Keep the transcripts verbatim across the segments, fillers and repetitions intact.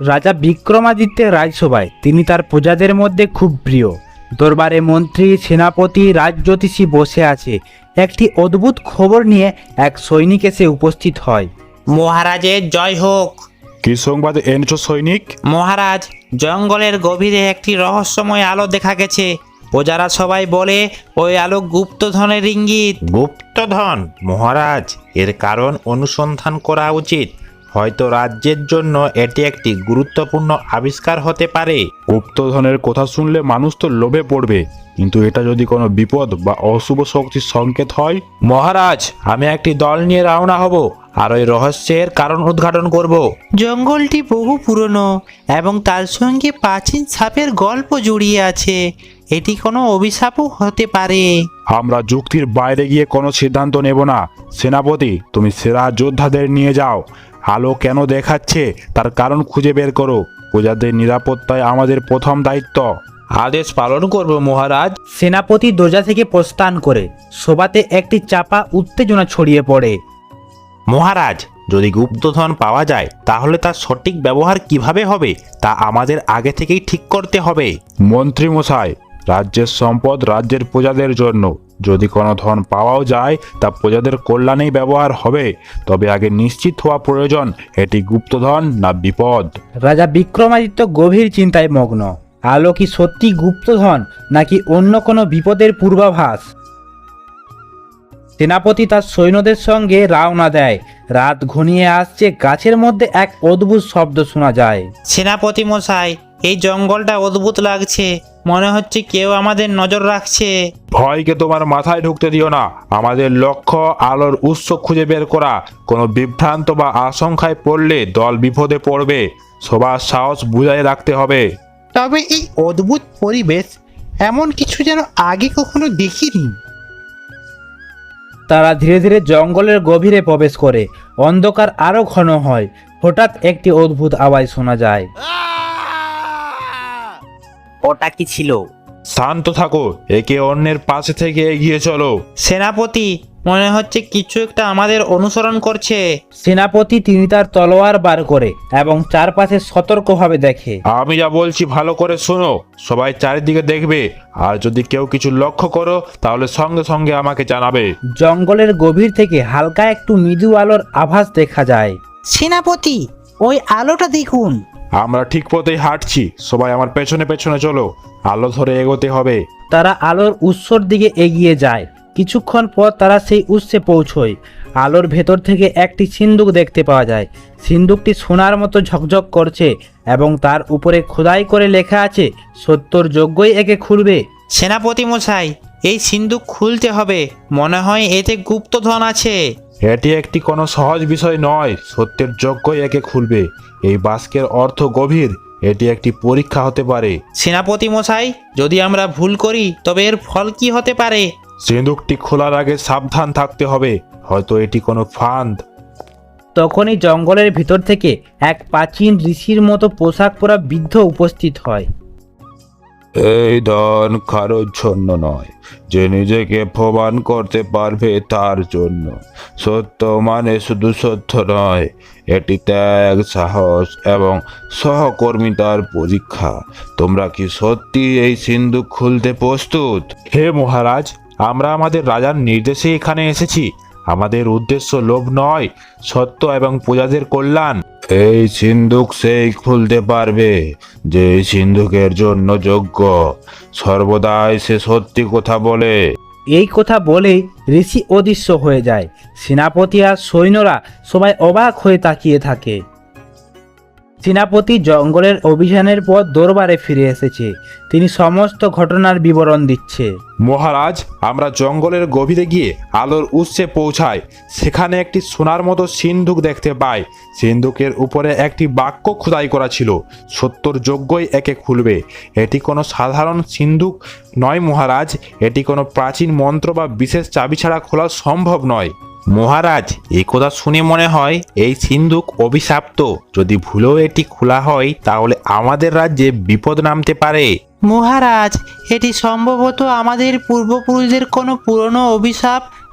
রাজা বিক্রমাদিত্যের রাজসভায় তিনি তার প্রজাদের মধ্যে খুব প্রিয়। দরবারে মন্ত্রী, সেনাপতি, রাজজ্যোতিষী বসে আছে। একটি অদ্ভুত খবর নিয়ে এক সৈনিক এসে উপস্থিত হয়। মহারাজের জয় হোক। কি সংবাদ এনেছো সৈনিক? মহারাজ, জঙ্গলের গভীরে একটি রহস্যময় আলো দেখা গেছে। প্রজারা সবাই বলে ওই আলো গুপ্তধনের ইঙ্গিত। গুপ্তধন? মহারাজ, এর কারণ অনুসন্ধান করা উচিত। হয়তো রাজ্যের জন্য এটি একটি গুরুত্বপূর্ণ আবিষ্কার হতে পারে। গুপ্তধনের কথা শুনলে মানুষ তো লোভে পড়বে, কিন্তু এটা যদি কোনো বিপদ বা অশুভ শক্তির সংকেত হয়? মহারাজ, আমি একটি দল নিয়ে রওনা হব আর ওই রহস্যের কারণ উদ্ঘাটন করব। জঙ্গলটি বহু পুরনো এবং তার সঙ্গে প্রাচীন সাপের গল্প জড়িয়ে আছে। এটি কোনো অভিশাপও হতে পারে। আমরা যুক্তির বাইরে গিয়ে কোনো সিদ্ধান্ত নেব না। সেনাপতি, তুমি সেরা যোদ্ধাদের নিয়ে যাও। আলো কেন দেখাচ্ছে তার কারণ খুঁজে বের করো। প্রজাদের নিরাপত্তায় আমাদের প্রথম দায়িত্ব। আদেশ পালন করব মহারাজ। সেনাপতি দরজা থেকে প্রস্থান করে সভাতে একটি চাপা উত্তেজনা ছড়িয়ে পড়ে। মহারাজ, যদি গুপ্তধন পাওয়া যায় তাহলে তার সঠিক ব্যবহার কিভাবে হবে তা আমাদের আগে থেকেই ঠিক করতে হবে। মন্ত্রী মশাই, রাজ্যের সম্পদ রাজ্যের প্রজাদের জন্য। যদি কোনো ধন পাওয়াও যায় তা প্রজাদের কল্যাণেই ব্যবহার হবে, তবে আগে নিশ্চিত হওয়া প্রয়োজন এটি গুপ্তধন না বিপদ। রাজা বিক্রমাদিত্য গভীর চিন্তায় মগ্ন। আলো কি সত্যি গুপ্তধন নাকি অন্য কোনো বিপদের পূর্বাভাস? সেনাপতি তার সৈন্যদের সঙ্গে রওনা দেয়। রাত ঘনিয়ে আসছে। গাছের মধ্যে এক অদ্ভুত শব্দ শোনা যায়। সেনাপতি মশাই, এই জঙ্গলটা অদ্ভুত লাগছে। মনে হচ্ছে কেউ আমাদের নজর রাখছে। ভয়কে তোমার মাথায় ঢুকতে দিও না। আমাদের লক্ষ্য আলোর উৎস খুঁজে বের করা। কোনো বিভ্রান্ত বা আশঙ্কায় পড়লে দল বিপদে পড়বে। সবার সাহস বুঝায় রাখতে হবে। তবে এই অদ্ভুত পরিবেশ, এমন কিছু যেন আগে কখনো দেখিনি। তারা ধীরে ধীরে জঙ্গলের গভীরে প্রবেশ করে। অন্ধকার আরো ঘন হয়। হঠাৎ একটি অদ্ভুত আওয়াজ শোনা যায়। ওটা কি ছিল? শান্ত থাকো, একে অন্যের পাশে থেকে এগিয়ে চলো। সেনাপতি, মনে হচ্ছে কিছু একটা আমাদের অনুসরণ করছে। সেনাপতি তিনি তার তলোয়ার বার করে এবং চারপাশে সতর্কভাবে দেখে। আমি যা বলছি ভালো করে শোনো। সবাই চারিদিকে দেখবে, আর যদি কেউ কিছু লক্ষ্য করো তাহলে সঙ্গে সঙ্গে আমাকে জানাবে। জঙ্গলের গভীর থেকে হালকা একটু মৃদু আলোর আভাস দেখা যায়। সেনাপতি, ওই আলোটা দেখুন। আমরা ঠিক পথেই হাঁটছি। সবাই আমার পেছনে পেছনে চলো। আলো ধরে এগোতে হবে। তারা আলোর উৎসর দিকে এগিয়ে যায়। কিছুক্ষণ পর তারা সেই উৎসে পৌঁছয়। আলোর ভেতর থেকে একটি সিন্দুক দেখতে পাওয়া যায়। সিন্দুকটি সোনার মতো ঝকঝক করছে এবং তার উপরে খোদাই করে লেখা আছে, সত্তর যজ্ঞই একে খুলবে। সেনাপতি মশাই, এই সিন্দুক খুলতে হবে। মনে হয় এতে গুপ্তধন আছে। এটি একটি কোনো সহজ বিষয় নয়। সত্যের যজ্ঞই একে খুলবে। এই বাস্কের অর্থ গভীর। এটি একটি পরীক্ষা হতে পারে। সেনাপতি মশাই, যদি আমরা ভুল করি তবে এর ফল কি হতে পারে? সিন্দুকটি খোলার আগে সাবধান থাকতে হবে। হয়তো এটি কোনো ফাঁদ। তখনই জঙ্গলের ভিতর থেকে এক প্রাচীন ঋষির মতো পোশাক পরা বৃদ্ধ উপস্থিত হয়। এই ধন কারোর জন্য নয়, যে নিজেকে প্রমাণ করতে পারবে তার জন্য। সত্য মানে শুধু সত্য নয়, এটি ত্যাগ, সাহস এবং সহকর্মিতার পরীক্ষা। তোমরা কি সত্যি এই সিন্দুক খুলতে প্রস্তুত? হে মহারাজ, আমরা আমাদের রাজার নির্দেশে এখানে এসেছি। আমাদের উদ্দেশ্য লোভ নয়, সত্য এবং প্রজাদের কল্যাণ। এই সিন্দুক সেই খুলতে পারবে যে এই সিন্দুকের জন্য যোগ্য। সর্বদাই সে সত্যি কথা বলে। এই কথা বলেই ঋষি অদৃশ্য হয়ে যায়। সেনাপতি আর সৈন্যরা সবাই অবাক হয়ে তাকিয়ে থাকে। সেনাপতি জঙ্গলের অভিযানের পর দরবারে ফিরে এসেছে। তিনি সমস্ত ঘটনার বিবরণ দিচ্ছে। মহারাজ, আমরা জঙ্গলের গভীরে গিয়ে আলোর উৎসে পৌঁছাই। সেখানে একটি সোনার মতো সিন্দুক দেখতে পাই। সিন্দুকের উপরে একটি বাক্য খোদাই করা ছিল, সত্তর যজ্ঞই একে খুলবে। এটি কোনো সাধারণ সিন্দুক নয় মহারাজ। এটি কোনো প্রাচীন মন্ত্র বা বিশেষ চাবি ছাড়া খোলা সম্ভব নয়। মহারাজ, এই কথা শুনে মনে হয় এই সিন্দুক অভিশাপ্ত। যদি ভুলেও এটি খোলা হয় তাহলে আমাদের রাজ্যে বিপদ নামতে পারে। মহারাজ, এটি সম্ভবত আমাদের পূর্বপুরুষদের কোনো পুরনো অভিশাপ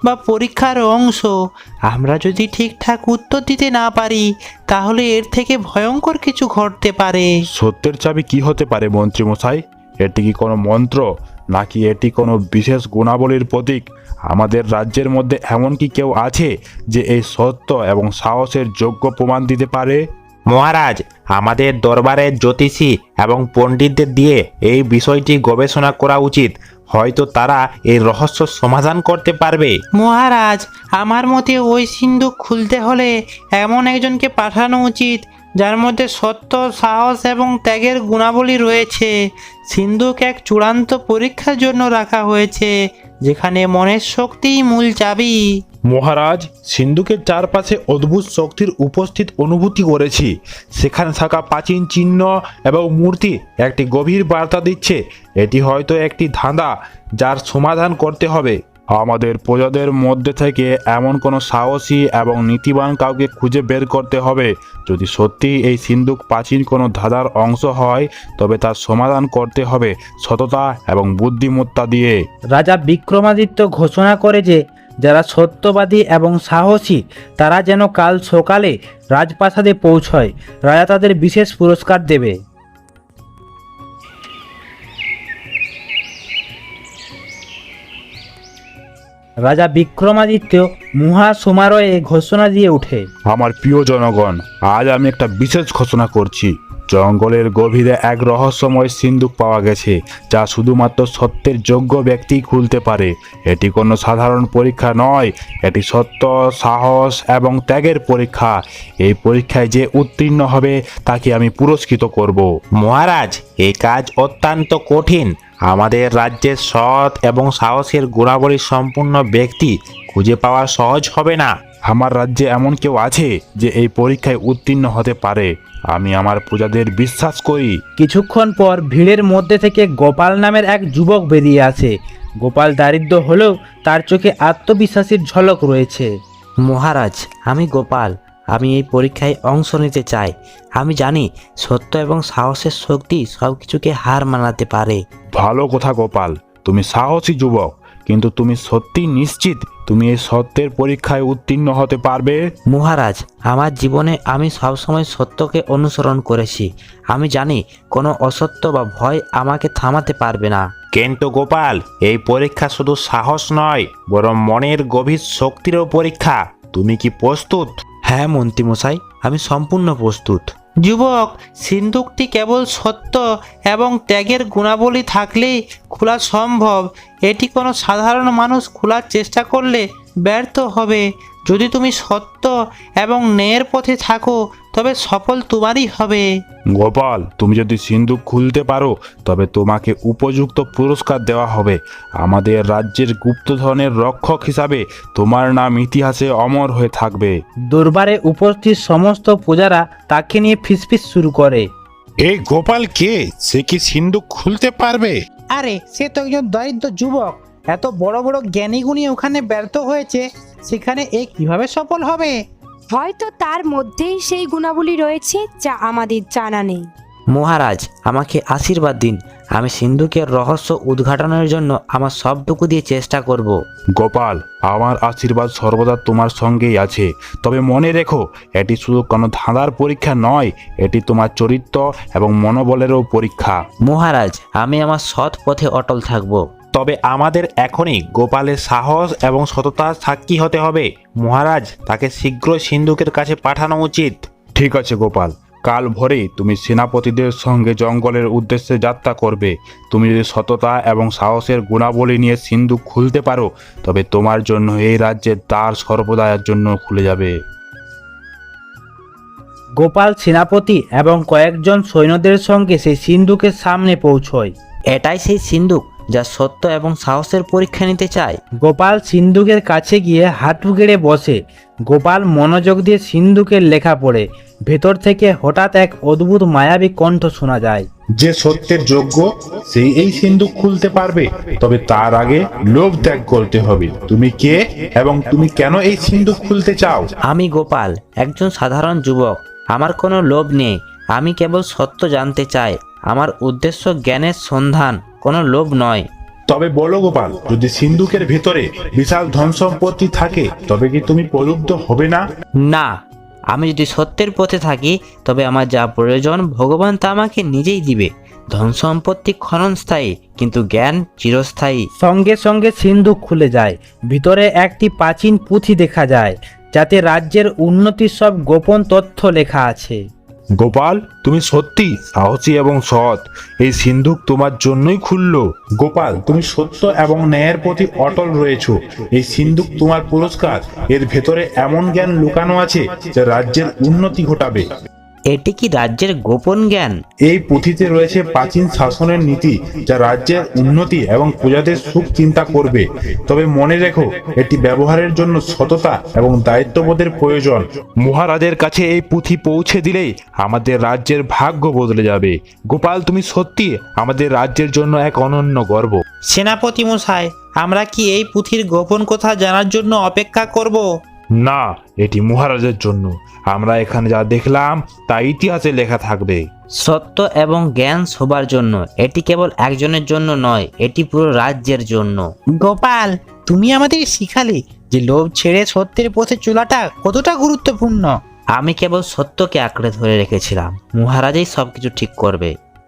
বা পরীক্ষার অংশ। আমরা যদি ঠিকঠাক উত্তর দিতে না পারি তাহলে এর থেকে ভয়ঙ্কর কিছু ঘটতে পারে। সত্যের চাবি কি হতে পারে মন্ত্রীমশাই? এটি কি কোনো মন্ত্র, নাকি এটি কোনো বিশেষ গুণাবলীর প্রতীক? আমাদের রাজ্যের মধ্যে এমন কি কেউ আছে যে এই সত্য এবং সাহসের যোগ্য প্রমাণ দিতে পারে? মহারাজ, আমাদের দরবারের জ্যোতিষী এবং পণ্ডিতদের দিয়ে এই বিষয়টি গবেষণা করা উচিত। হয়তো তারা এই রহস্য সমাধান করতে পারবে। মহারাজ, আমার মতে ওই সিন্ধুক খুলতে হলে এমন একজনকে পাঠানো উচিত যার মধ্যে সত্য, সাহস এবং ত্যাগের গুণাবলী রয়েছে। সিন্ধুক এক চূড়ান্ত পরীক্ষার জন্য রাখা হয়েছে, যেখানে মনের শক্তিই মূল চাবি। মহারাজ, সিন্ধুকের চারপাশে অদ্ভুত শক্তির উপস্থিত অনুভূতি করেছি। সেখানে থাকা প্রাচীন চিহ্ন এবং মূর্তি একটি গভীর বার্তা দিচ্ছে। এটি হয়তো একটি ধাঁধা যার সমাধান করতে হবে। আমাদের প্রজাদের মধ্যে থেকে এমন কোনো সাহসী এবং নীতিবান কাউকে খুঁজে বের করতে হবে। যদি সত্যি এই সিন্ধুক প্রাচীন কোনো ধাঁধার অংশ হয়, তবে তার সমাধান করতে হবে সততা এবং বুদ্ধিমত্তা দিয়ে। রাজা বিক্রমাদিত্য ঘোষণা করে যে যারা সত্যবাদী এবং সাহসী তারা যেন কাল সকালে রাজপ্রাসাদে পৌঁছয়। রাজা তাদের বিশেষ পুরস্কার দেবে। রাজা বিক্রমাদিত্য মহা সমারোহে ঘোষণা দিয়ে ওঠে, আমার প্রিয় জনগণ, আজ আমি একটা বিশেষ ঘোষণা করছি। জঙ্গলের গভীরে এক রহস্যময় সিন্ধুক পাওয়া গেছে, যা শুধুমাত্র সত্যের যোগ্য ব্যক্তি খুলতে পারে। এটি কোনো সাধারণ পরীক্ষা নয়, এটি সত্য, সাহস এবং ত্যাগের পরীক্ষা। এই পরীক্ষায় যে উত্তীর্ণ হবে তাকে আমি পুরস্কৃত করব। মহারাজ, এই কাজ অত্যন্ত কঠিন। আমাদের রাজ্যের সৎ এবং সাহসের গুণাবলী সম্পূর্ণ ব্যক্তি খুঁজে পাওয়া সহজ হবে না। আমার রাজ্যে এমন কেউ আছে যে এই পরীক্ষায় উত্তীর্ণ হতে পারে? আমি আমার প্রজাদের বিশ্বাস করি। কিছুক্ষণ পর ভিড়ের মধ্যে থেকে গোপাল নামের এক যুবক বেরিয়ে আসে। গোপাল দারিদ্র হলেও তার চোখে আত্মবিশ্বাসের ঝলক রয়েছে। মহারাজ, আমি গোপাল। আমি এই পরীক্ষায় অংশ নিতে চাই। আমি জানি সত্য এবং সাহসের শক্তি সব কিছুকে হার মানাতে পারে। ভালো কথা গোপাল, তুমি সাহসী যুবক, কিন্তু তুমি সত্যি নিশ্চিত তুমি এই সত্যের পরীক্ষায় উত্তীর্ণ হতে পারবে? মহারাজ, আমার জীবনে আমি সবসময় সত্যকে অনুসরণ করেছি। আমি জানি কোনো অসত্য বা ভয় আমাকে থামাতে পারবে না। কিন্তু গোপাল, এই পরীক্ষা শুধু সাহস নয়, বরং মনের গভীর শক্তিরও পরীক্ষা। তুমি কি প্রস্তুত? হ্যাঁ মন্ত্রীমশাই, আমি সম্পূর্ণ প্রস্তুত। যুবক, সিন্ধুকটি কেবল সত্য এবং ত্যাগের গুণাবলী থাকলেই খোলা সম্ভব। এটি কোনো সাধারণ মানুষ খোলার চেষ্টা করলে ব্যর্থ হবে। যদি তুমি সত্য এবং ন্যায়ের পথে থাকো তবে সফল তোমারই হবে। গোপাল, তুমি যদি সিন্ধুক খুলতে পারো তবে তোমাকে উপযুক্ত পুরস্কার দেওয়া হবে। আমাদের রাজ্যের গুপ্তধনের রক্ষক হিসাবে তোমার নাম ইতিহাসে অমর হয়ে থাকবে। দরবারে উপস্থিত সমস্ত প্রজারা তাকে নিয়ে ফিসফিস শুরু করে। এই গোপাল কে? সে কি সিন্ধুক খুলতে পারবে? আরে, সে তো একজন দরিদ্র যুবক। এত বড় বড় জ্ঞানীগুণী ওখানে ব্যর্থ হয়েছে, সেখানে এ কিভাবে সফল হবে? হয়তো তার মধ্যেই সেই গুণাবলী রয়েছে যা আমাদের জানা নেই। মহারাজ, আমাকে আশীর্বাদ দিন। আমি সিন্ধুকের রহস্য উদ্ঘাটনের জন্য আমার সবটুকু দিয়ে চেষ্টা করব। গোপাল, আমার আশীর্বাদ সর্বদা তোমার সঙ্গেই আছে। তবে মনে রেখো, এটি শুধু কোনো ধাঁধার পরীক্ষা নয়, এটি তোমার চরিত্র এবং মনোবলেরও পরীক্ষা। মহারাজ, আমি আমার সৎ পথে অটল থাকব। তবে আমাদের এখনই গোপালের সাহস এবং সততার সাক্ষী হতে হবে। মহারাজ, তাকে শীঘ্রই সিন্ধুকের কাছে পাঠানো উচিত। ঠিক আছে গোপাল, কাল ভোরেই তুমি সেনাপতিদের সঙ্গে জঙ্গলের উদ্দেশ্যে যাত্রা করবে। তুমি যদি সততা এবং সাহসের গুণাবলী নিয়ে সিন্ধুক খুলতে পারো, তবে তোমার জন্য এই রাজ্যের দ্বার সর্বদার জন্য খুলে যাবে। গোপাল সেনাপতি এবং কয়েকজন সৈন্যদের সঙ্গে সেই সিন্ধুকের সামনে পৌঁছয়। এটাই সেই সিন্ধুক যা সত্য এবং সাহসের পরীক্ষা নিতে চায়। গোপাল সিন্ধুকের কাছে গিয়ে হাঁটু গেড়ে বসে। গোপাল মনোযোগ দিয়ে সিন্ধুকের লেখা পড়ে। ভেতর থেকে হঠাৎ এক অদ্ভুত মায়াবী কণ্ঠ শোনা যায়। যে সত্যের যোগ্য সেই এই সিন্ধুক খুলতে পারবে, তবে তার আগে লোভ ত্যাগ করতে হবে। তুমি কে এবং তুমি কেন এই সিন্ধুক খুলতে চাও? আমি গোপাল, একজন সাধারণ যুবক। আমার কোনো লোভ নেই। আমি কেবল সত্য জানতে চাই। আমার উদ্দেশ্য জ্ঞানের সন্ধান, কোনো লোভ নয়। তবে বলো গোপাল, যদি সিন্ধুকের ভেতরে বিশাল ধন সম্পত্তি থাকে তবে কি তুমি প্রলুব্ধ হবে না? না, আমি যদি সত্যের পথে থাকি তবে আমার যা প্রয়োজন ভগবান তা আমাকে নিজেই দিবে। ধন সম্পত্তি ক্ষণস্থায়ী, কিন্তু জ্ঞান চিরস্থায়ী। সঙ্গে সঙ্গে সিন্ধুক খুলে যায়। ভিতরে একটি প্রাচীন পুঁথি দেখা যায়, যাতে রাজ্যের উন্নতির সব গোপন তথ্য লেখা আছে। গোপাল, তুমি সত্যি সাহসী এবং সৎ। এই সিন্ধুক তোমার জন্যই খুললো। গোপাল, তুমি সত্য এবং ন্যায়ের প্রতি অটল রয়েছো। এই সিন্ধুক তোমার পুরস্কার। এর ভেতরে এমন জ্ঞান লুকানো আছে যা রাজ্যের উন্নতি ঘটাবে। এটি কি রাজ্যের গোপন জ্ঞান? এই পুঁথিতে রয়েছে প্রাচীন শাসনের নীতি, যা রাজ্যের উন্নতি এবং প্রজাদের সুখ চিন্তা করবে। তবে মনে রেখো, এটি ব্যবহারের জন্য সততা এবং দায়িত্ববোধের প্রয়োজন। মহারাজের কাছে এই পুঁথি পৌঁছে দিলেই আমাদের রাজ্যের ভাগ্য বদলে যাবে। গোপাল, তুমি সত্যি আমাদের রাজ্যের জন্য এক অনন্য গর্ব। সেনাপতি মশাই, আমরা কি এই পুঁথির গোপন কথা জানার জন্য অপেক্ষা করব? না, এটি মহারাজের জন্য। আমরা এখানে যা দেখলাম তা ইতিহাসে লেখা থাকবে। সত্য এবং জ্ঞান সবার জন্য। এটি কেবল একজনের জন্য নয়, এটি পুরো রাজ্যের জন্য। গোপাল, তুমি আমাদের শিখালে যে লোভ ছেড়ে সত্যের পথে চলাটা কতটা গুরুত্বপূর্ণ। আমি কেবল সত্যকে আঁকড়ে ধরে রেখেছিলাম। মহারাজই সবকিছু ঠিক করবে।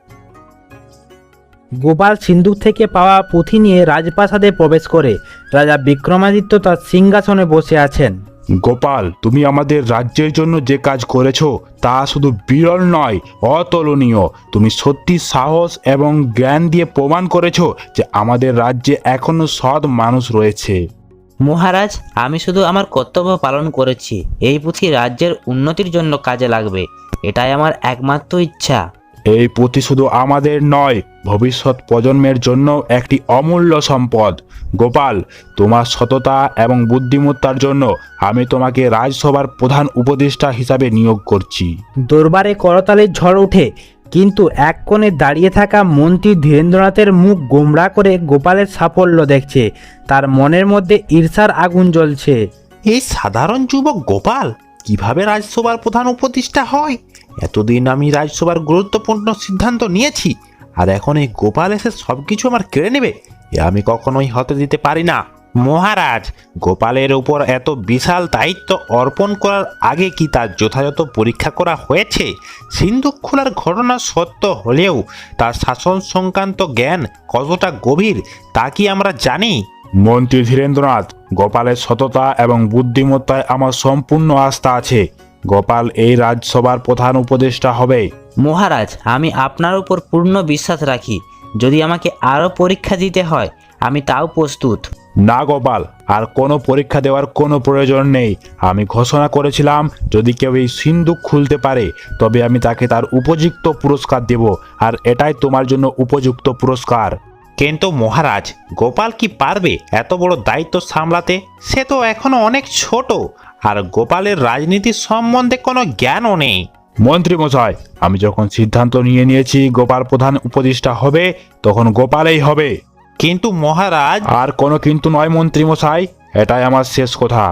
গোপাল সিন্ধুক থেকে পাওয়া পুঁথি নিয়ে রাজপ্রাসাদে প্রবেশ করে। রাজা বিক্রমাদিত্য তার সিংহাসনে বসে আছেন। গোপাল, তুমি আমাদের রাজ্যের জন্য যে কাজ করেছো তা শুধু বিরল নয়, অতুলনীয়। তুমি সত্যি সাহস এবং জ্ঞান দিয়ে প্রমাণ করেছো যে আমাদের রাজ্যে এখনো সৎ মানুষ রয়েছে। মহারাজ, আমি শুধু আমার কর্তব্য পালন করেছি। এই পুঁথি রাজ্যের উন্নতির জন্য কাজে লাগবে, এটাই আমার একমাত্র ইচ্ছা। এই পুঁথি শুধু আমাদের নয়, ভবিষ্যৎ প্রজন্মের জন্য একটি অমূল্য সম্পদ। গোপাল, তোমার সততা এবং বুদ্ধিমত্তার জন্য আমি তোমাকে রাজসভার প্রধান উপদেষ্টা হিসাবে নিয়োগ করছি। দরবারে করতালির ঝড় ওঠে, কিন্তু এক কোণে দাঁড়িয়ে থাকা মন্ত্রী ধীরেন্দ্রনাথের মুখ গোমড়া করে গোপালের সাফল্য দেখছে। তার মনের মধ্যে ঈর্ষার আগুন জ্বলছে। এই সাধারণ যুবক গোপাল কিভাবে রাজসভার প্রধান উপদেষ্টা হয়? এতদিন আমি রাজসভার গুরুত্বপূর্ণ সিদ্ধান্ত নিয়েছি, আর এখন এই গোপাল এসে সবকিছু আমার কেড়ে নেবে? এ আমি কখনোই হতে দিতে পারি না। মহারাজ, গোপালের উপর এত বিশাল দায়িত্ব অর্পণ করার আগে কি তার যথাযথ পরীক্ষা করা হয়েছে? সিন্ধুক খোলার ঘটনা সত্য হলেও তার শাসন সংক্রান্ত জ্ঞান কতটা গভীর তা কি আমরা জানি? মন্ত্রী ধীরেন্দ্রনাথ, গোপালের সততা এবং বুদ্ধিমত্তায় আমার সম্পূর্ণ আস্থা আছে। গোপাল এই রাজসভার প্রধান উপদেষ্টা হবে। মহারাজ, আমি আপনার উপর পূর্ণ বিশ্বাস রাখি। যদি আমাকে আরও পরীক্ষা দিতে হয়, আমি তাও প্রস্তুত। না গোপাল, আর কোনো পরীক্ষা দেওয়ার কোনো প্রয়োজন নেই। আমি ঘোষণা করেছিলাম, যদি কেউ এই সিন্ধুক খুলতে পারে তবে আমি তাকে তার উপযুক্ত পুরস্কার দেব, আর এটাই তোমার জন্য উপযুক্ত পুরস্কার। কিন্তু মহারাজ, গোপাল কি পারবে এত বড় দায়িত্ব সামলাতে? সে তো এখনো অনেক ছোট, আর গোপালের রাজনীতির সম্বন্ধে কোনো জ্ঞানও নেই। মন্ত্রী মশাই, আমি যখন সিদ্ধান্ত নিয়ে নিয়েছি গোপাল প্রধান উপদেষ্টা হবে, তখন গোপালেই হবে। কিন্তু মহারাজ, আর কোনো কিন্তু নয় মন্ত্রী মশাই, এটাই আমার শেষ কথা।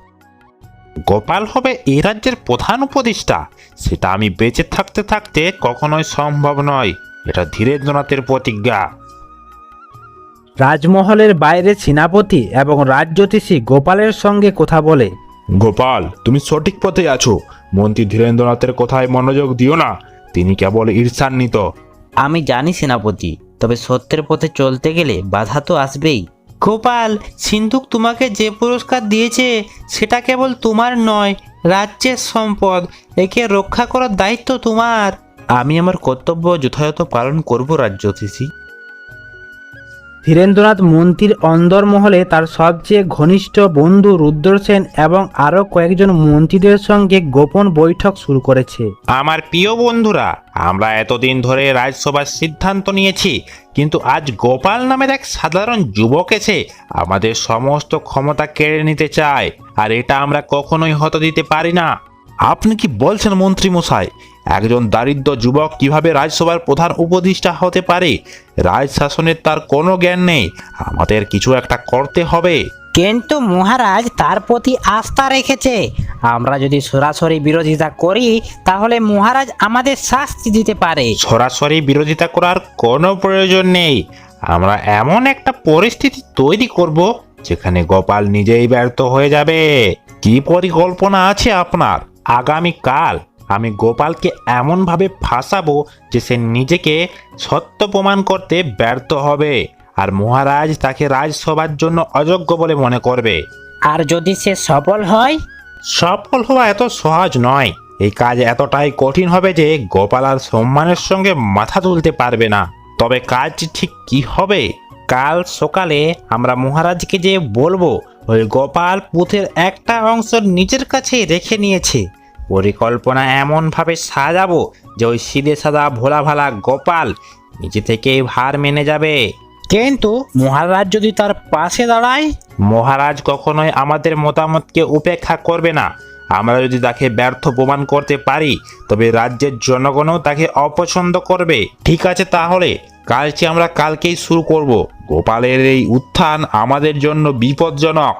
গোপাল হবে এই রাজ্যের প্রধান উপদেষ্টা, সেটা আমি বেঁচে থাকতে থাকতে কখনোই সম্ভব নয়। এটা ধীরেন্দ্রনাথের প্রতিজ্ঞা। রাজমহলের বাইরে সেনাপতি এবং রাজজ্যোতিষী গোপালের সঙ্গে কথা বলে। গোপাল, তুমি সঠিক পথে আছো। মন্ত্রী ধীরেন্দ্রনাথের কথায় মনোযোগ দিও না, তিনি কেবল ঈর্ষান্বিত। আমি জানি সেনাপতি, তবে সত্যের পথে চলতে গেলে বাধা তো আসবেই। গোপাল, সিন্ধুক তোমাকে যে পুরস্কার দিয়েছে সেটা কেবল তোমার নয়, রাজ্যের সম্পদ। একে রক্ষা করার দায়িত্ব তোমার। আমি আমার কর্তব্য যথাযথ পালন করব রাজ্যতীষী। ধীরেন্দ্রনাথ মন্ত্রীর অন্দরমহলে তার সবচেয়ে ঘনিষ্ঠ বন্ধু রুদ্রসেন এবং আরও কয়েকজন মন্ত্রীদের সঙ্গে গোপন বৈঠক শুরু করেছে। আমার প্রিয় বন্ধুরা, আমরা এতদিন ধরে রাজসভার সিদ্ধান্ত নিয়েছি, কিন্তু আজ গোপাল নামের এক সাধারণ যুবক এসে আমাদের সমস্ত ক্ষমতা কেড়ে নিতে চায়, আর এটা আমরা কখনোই হতে দিতে পারি না। আপনি কি বলছেন মন্ত্রী মশাই? একজন দারিদ্র যুবক কিভাবে রাজসভার প্রধান উপদেষ্টা হতে পারে? রাজ শাসনের তার কোনো জ্ঞান নেই। আমাদের কিছু একটা করতে হবে। কিন্তু মহারাজ তার প্রতি আস্থা রেখেছে। আমরা যদি সরাসরি বিরোধিতা করি তাহলে মহারাজ আমাদের শাস্তি দিতে পারে। সরাসরি বিরোধিতা করার কোনো প্রয়োজন নেই। আমরা এমন একটা পরিস্থিতি তৈরি করব যেখানে গোপাল নিজেই ব্যর্থ হয়ে যাবে। কি পরিকল্পনা আছে আপনার? আগামী কাল আমি গোপালকে এমনভাবে ফাঁসাবো যে সে নিজেকে সত্য প্রমাণ করতে ব্যর্থ হবে, আর মহারাজ তাকে রাজসভার জন্য অযোগ্য বলে মনে করবে। আর যদি সে সফল হয়? সফল হওয়া এত সহজ নয়। এই কাজ এতটাই কঠিন হবে যে গোপাল আর সম্মানের সঙ্গে মাথা তুলতে পারবে না। তবে কাজটি ঠিক কি হবে? কাল সকালে আমরা মহারাজকে যে বলবো ওই গোপাল পুঁথের একটা অংশ নিজের কাছে রেখে নিয়েছে। পরিকল্পনা এমনভাবে সাজাবো যে ওই সিধে সাদা ভোলা ভালা গোপাল নিজে থেকেই ভার মেনে যাবে। কিন্তু মহারাজ যদি তার পাশে দাঁড়ায়? মহারাজ কখনোই আমাদের মতামতকে উপেক্ষা করবে না। আমরা যদি তাকে ব্যর্থ প্রমাণ করতে পারি তবে রাজ্যের জনগণও তাকে অপছন্দ করবে। ঠিক আছে, তাহলে কাজটি আমরা কালকেই শুরু করব। গোপালের এই উত্থান আমাদের জন্য বিপজ্জনক।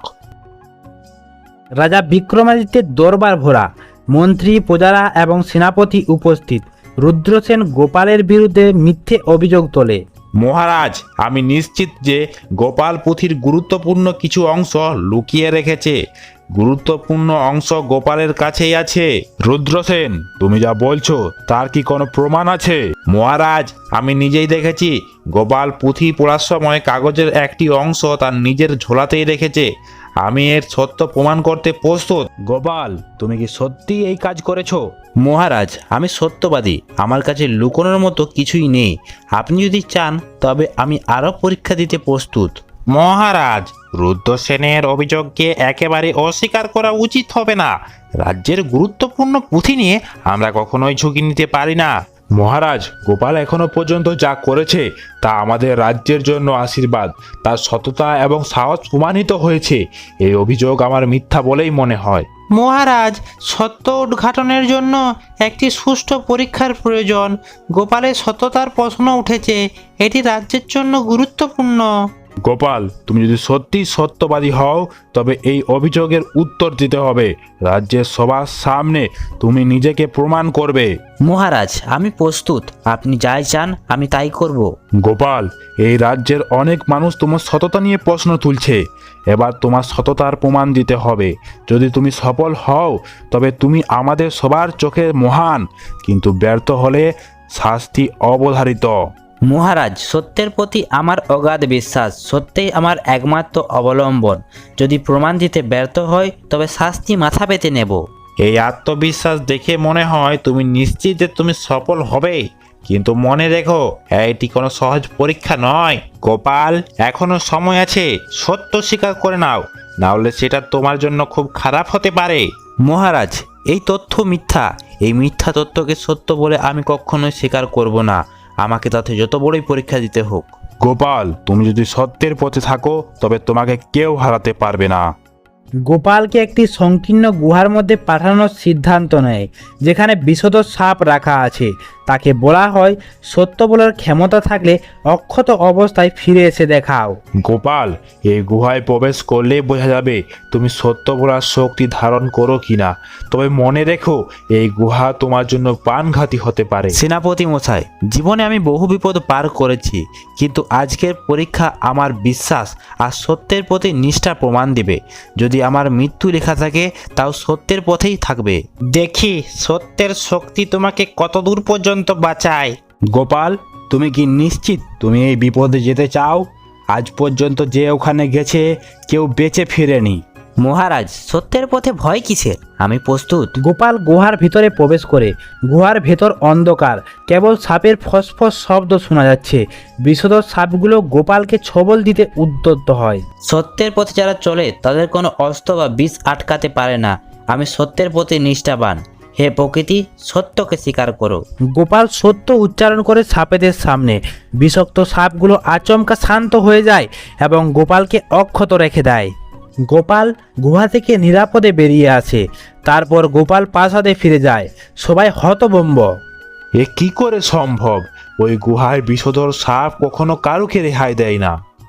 রাজা বিক্রমাদিত্যের দরবার ভরা, মন্ত্রী, প্রজারা এবং সেনাপতি উপস্থিত। রুদ্রসেন গোপালের বিরুদ্ধে মিথ্যে অভিযোগ তোলে। মহারাজ, আমি নিশ্চিত যে গোপাল পুঁথির গুরুত্বপূর্ণ কিছু অংশ লুকিয়ে রেখেছে। গুরুত্বপূর্ণ অংশ গোপালের কাছেই আছে। রুদ্রসেন, তুমি যা বলছো তার কি কোনো প্রমাণ আছে? মহারাজ, আমি নিজেই দেখেছি গোপাল পুঁথি পড়ার সময় কাগজের একটি অংশ তার নিজের ঝোলাতেই রেখেছে। আমি এর সত্য প্রমাণ করতে প্রস্তুত। গোপাল, তুমি কি সত্যি এই কাজ করেছো? মহারাজ, আমি সত্যবাদী। আমার কাছে লুকোনোর মতো কিছুই নেই। আপনি যদি চান তবে আমি আরও পরীক্ষা দিতে প্রস্তুত। মহারাজ, রুদ্রসেনের অভিযোগকে একেবারে অস্বীকার করা উচিত হবে না। রাজ্যের গুরুত্বপূর্ণ পুঁথি নিয়ে আমরা কখনোই ঝুঁকি নিতে পারি না। মহারাজ, গোপাল এখনো পর্যন্ত যা করেছে তা আমাদের রাজ্যের জন্য আশীর্বাদ। তার সততা এবং সাহস প্রমাণিত হয়েছে। এই অভিযোগ আমার মিথ্যা বলেই মনে হয়। মহারাজ, সত্য উদ্ঘাটনের জন্য একটি সুষ্ঠু পরীক্ষার প্রয়োজন। গোপালের সততার প্রশ্ন উঠেছে, এটি রাজ্যের জন্য গুরুত্বপূর্ণ। গোপাল, তুমি যদি সত্যি সত্যবাদী হও তবে এই অভিযোগের উত্তর দিতে হবে। রাজ্যের সবার সামনে তুমি নিজেকে প্রমাণ করবে। মহারাজ, আমি প্রস্তুত। আপনি যাই চান আমি তাই করব। গোপাল, এই রাজ্যের অনেক মানুষ তোমার সততা নিয়ে প্রশ্ন তুলছে। এবার তোমার সততার প্রমাণ দিতে হবে। যদি তুমি সফল হও তবে তুমি আমাদের সবার চোখে মহান, কিন্তু ব্যর্থ হলে শাস্তি অবধারিত। মহারাজ, সত্যের প্রতি আমার অগাধ বিশ্বাস। সত্যই আমার একমাত্র অবলম্বন। যদি প্রমাণ দিতে ব্যর্থ হয় তবে শাস্তি মাথা পেতে নেব। এই আত্মবিশ্বাস দেখে মনে হয় তুমি নিশ্চিত যে তুমি সফল হবে। কিন্তু মনে রেখো, এটি কোনো সহজ পরীক্ষা নয়। গোপাল, এখনো সময় আছে। সত্য স্বীকার করে নাও, না হলে সেটা তোমার জন্য খুব খারাপ হতে পারে। মহারাজ, এই তথ্য মিথ্যা। এই মিথ্যা তথ্যকে সত্য বলে আমি কখনোই স্বীকার করব না, আমাকে তাতে যত বড়ই পরীক্ষা দিতে হোক। গোপাল, তুমি যদি সত্যের পথে থাকো তবে তোমাকে কেউ হারাতে পারবে না। গোপালকে একটি সংকীর্ণ গুহার মধ্যে পাঠানোর সিদ্ধান্ত নেয়, যেখানে বিশদ সাপ রাখা আছে। তাকে বলা হয়, সত্য বলার ক্ষমতা থাকলে অক্ষত অবস্থায় ফিরে এসে দেখাও। গোপাল, এই গুহায় প্রবেশ করলেই বোঝা যাবে তুমি সত্য বলার শক্তি ধারণ করো কিনা। তবে মনে রেখো, এই গুহা তোমার জন্য প্রাণঘাতী হতে পারে। সেনাপতি মশাই, জীবনে আমি বহু বিপদ পার করেছি, কিন্তু আজকের পরীক্ষা আমার বিশ্বাস আর সত্যের প্রতি নিষ্ঠা প্রমাণ দিবে। যদি আমার মৃত্যু লেখা থাকে তাও সত্যের পথেই থাকবে। দেখি সত্যের শক্তি তোমাকে কত দূর পর্যন্ত বাঁচায়। গোপাল, তুমি কি নিশ্চিত তুমি এই বিপদে যেতে চাও? আজ পর্যন্ত যে ওখানে গেছে কেউ বেঁচে ফিরেনি। মহারাজ, সত্যের পথে ভয় কিসের? আমি প্রস্তুত। গোপাল গুহার ভিতরে প্রবেশ করে। গুহার ভেতর অন্ধকার, কেবল সাপের ফসফস শব্দ শোনা যাচ্ছে। বিষধর সাপগুলো গোপালকে ছবল দিতে উদ্যত হয়। সত্যের পথে যারা চলে তাদের কোনো অস্ত্র বা বিষ আটকাতে পারে না। আমি সত্যের প্রতি নিষ্ঠাবান। হে প্রকৃতি, সত্যকে স্বীকার করো। গোপাল সত্য উচ্চারণ করে সাপেদের সামনে। বিষাক্ত সাপগুলো আচমকা শান্ত হয়ে যায় এবং গোপালকে অক্ষত রেখে দেয়। গোপাল গুহা থেকে নিরাপদে বেরিয়ে আসে। তারপর গোপাল প্রাসাদে ফিরে যায়। সবাই হতভম্ব। এ কি করে সম্ভব? ওই গুহায় বিষধর সাপ কখনো কারুকে রেহাই দেয় না।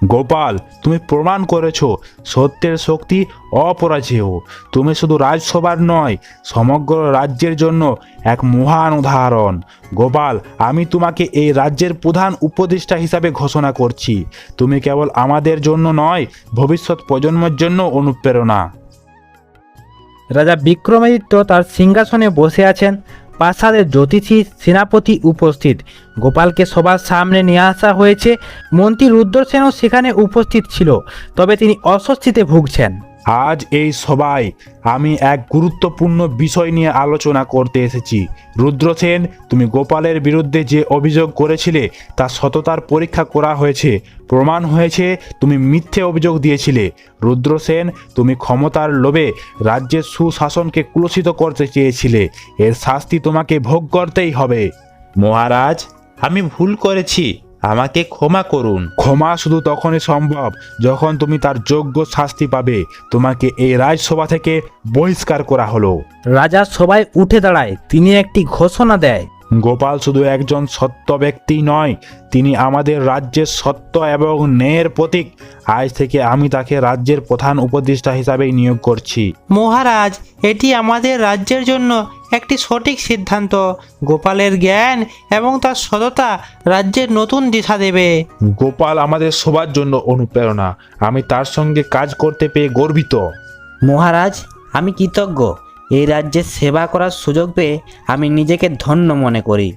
গোপাল, তুমি প্রমাণ করেছো সত্যের শক্তি অপরাজেয়। তুমি শুধু রাজসভার নয়, সমগ্র রাজ্যের জন্য এক মহান উদাহরণ। গোপাল, আমি তোমাকে এই রাজ্যের প্রধান উপদেষ্টা হিসাবে ঘোষণা করছি। তুমি কেবল আমাদের জন্য নয়, ভবিষ্যৎ প্রজন্মের জন্য অনুপ্রেরণা। রাজা বিক্রমাদিত্য তার সিংহাসনে বসে আছেন। প্রাসাদের জ্যোতিষী সেনাপতি উপস্থিত। গোপালকে সবার সামনে নিয়ে আসা হয়েছে। মন্ত্রী রুদ্রসেনও সেখানে উপস্থিত ছিল, তবে তিনি অস্বস্তিতে ভুগছেন। আজ এই সভায় আমি এক গুরুত্বপূর্ণ বিষয় নিয়ে আলোচনা করতে এসেছি। রুদ্রসেন, তুমি গোপালের বিরুদ্ধে যে অভিযোগ করেছিলে তার সততার পরীক্ষা করা হয়েছে। প্রমাণ হয়েছে তুমি মিথ্যে অভিযোগ দিয়েছিলে। রুদ্রসেন, তুমি ক্ষমতার লোভে রাজ্যের সুশাসনকে কুলসিত করতে চেয়েছিলে। এর শাস্তি তোমাকে ভোগ করতেই হবে। মহারাজ, আমি ভুল করেছি, আমাকে ক্ষমা করুন। ক্ষমা শুধু তখনই সম্ভব যখন তুমি তার যোগ্য শাস্তি পাবে। তোমাকে এই রাজসভা থেকে বহিষ্কার করা হলো। রাজা সবাই উঠে দাঁড়ায়। তিনি একটি ঘোষণা দেয়। গোপাল শুধু একজন সত্য ব্যক্তি নয়, তিনি আমাদের রাজ্যের সত্য এবং ন্যায়ের প্রতীক। আজ থেকে আমি তাকে রাজ্যের প্রধান উপদেষ্টা হিসাবে নিয়োগ করছি। মহারাজ, এটি আমাদের রাজ্যের জন্য একটি সঠিক সিদ্ধান্ত। গোপালের জ্ঞান এবং তার সততা রাজ্যের নতুন দিশা দেবে। গোপাল আমাদের সবার জন্য অনুপ্রেরণা। আমি তার সঙ্গে কাজ করতে পেয়ে গর্বিত। মহারাজ, আমি কৃতজ্ঞ। এই রাজ্যের সেবা করার সুযোগ পেয়ে আমি নিজেকে ধন্য মনে করি।